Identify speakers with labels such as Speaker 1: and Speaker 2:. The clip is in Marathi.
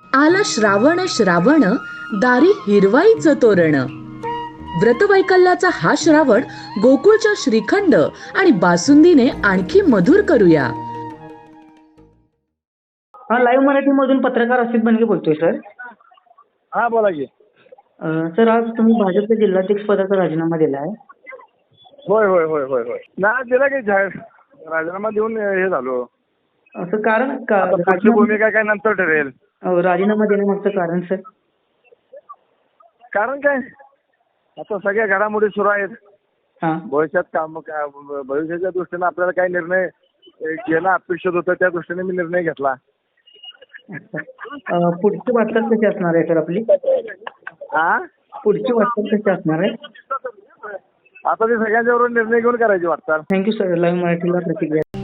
Speaker 1: आला श्रावण श्रावण, दारी हिरवाईचं तोरण. व्रतवैकल्याचा हा श्रावण गोकुळच्या श्रीखंड आणि बासुंदीने आणखी मधुर करूया.
Speaker 2: हा, लाईव्ह मराठीमधून पत्रकार असित बनगे बोलतोय सर.
Speaker 3: हा बोला की.
Speaker 2: सर, आज तुम्ही भाजपच्या जिल्हाध्यक्ष पदाचा राजीनामा दिला आहे.
Speaker 3: होय होय होय होय होय ना, दिला की जाहीर राजीनामा देऊन हे झालो.
Speaker 2: असं कारण
Speaker 3: आता पुढची भूमिका काय नंतर ठरेल.
Speaker 2: राजीनामा देण्यामागचं कारण सर?
Speaker 3: कारण काय, आता सगळ्या घडामोडी सुरू आहेत.
Speaker 2: हा,
Speaker 3: भविष्याच्या दृष्टीने आपल्याला काही निर्णय घेणं अपेक्षित होतं, त्या दृष्टीने मी निर्णय घेतला.
Speaker 2: पुढची वाटचाल कशी असणार आहे सर आपली?
Speaker 3: हा,
Speaker 2: पुढची वाटचाल कशी असणार आहे?
Speaker 3: आता ते सगळ्यांच्याबरोबर निर्णय घेऊन करायची वाटतं.
Speaker 2: थँक्यू सर, लाईव्ह मराठीला प्रतिक्रिया